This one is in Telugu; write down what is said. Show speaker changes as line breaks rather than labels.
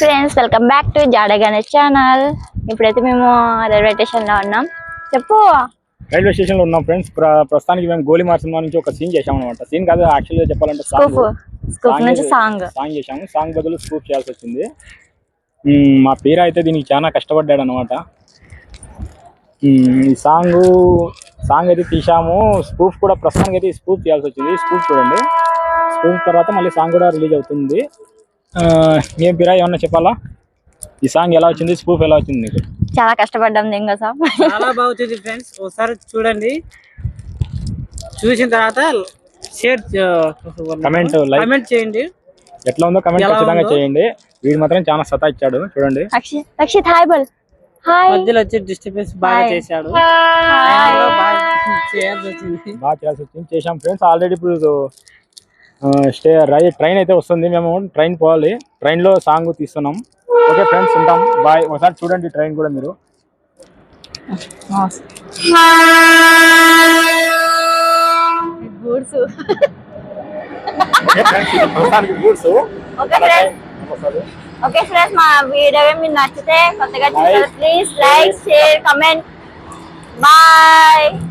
ఫ్రెండ్స్, వెల్కమ్ బ్యాక్ టు జాడ గణేష్ ఛానల్. ఇప్పుడైతే మేము రైల్వే స్టేషన్ లో ఉన్నాం. చెప్పు.
రైల్వే స్టేషన్ లో ఉన్నాం ఫ్రెండ్స్. ప్రస్తుతానికి మేము గోలిమార్ సినిమా నుంచి ఒక సీన్ చేసాం అనమాట. సీన్ కాదు, యాక్చువల్గా చెప్పాలంటే సాంగ్ చేసాము. సాంగ్ బదులు స్కూప్ చేయాల్సి వచ్చింది. మా పేరు అయితే దీనికి చాలా కష్టపడ్డాడు అనమాట. ఈ సాంగ్ అయితే తీసాము. స్పూఫ్ కూడా ప్రస్తుతానికి అయితే స్పూఫ్ చేయాల్సి వచ్చింది. స్పూఫ్ చూడండి. స్పూఫ్ తర్వాత మళ్ళీ సాంగ్ కూడా రిలీజ్ అవుతుంది. ఏం పేరా ఏమన్నా చెప్పాలా? ఈ సాంగ్ ఎలా వచ్చింది, స్పూఫ్ ఎలా వచ్చింది? నీకు
చాలా కష్టపడ్డాం.
చాలా బాగుంది ఫ్రెండ్స్, ఒకసారి చూడండి. చూసిన తర్వాత షేర్ కమెంట్ చేయండి.
ఎట్లా ఉందో కమెంట్ ఖచ్చితంగా చేయండి. వీడు మాత్రం చాలా సతా ఇచ్చాడు చూడండి.
రక్షిత్ హాయ్ బోల్. హాయ్.
మధ్యలో వచ్చి డిస్టర్బెన్స్ బాగా చేశాడు.
బాగా చేయాల్సి వచ్చింది. చేసాం ఫ్రెండ్స్. ఆల్రెడీ ఇప్పుడు ట్రైన్ అయితే వస్తుంది. మేము ట్రైన్ పోవాలి. ట్రైన్ లో సాంగ్ తీస్తున్నాం. ఓకే ఫ్రెండ్స్, ఉంటాం. బాయ్. ఒకసారి చూడండి ట్రైన్ కూడా మీరు.
ఓకే ఫ్రెండ్స్, మా వీడియో మీకు నచ్చితే కొత్తగా చూస్తే please like, share, comment. Bye.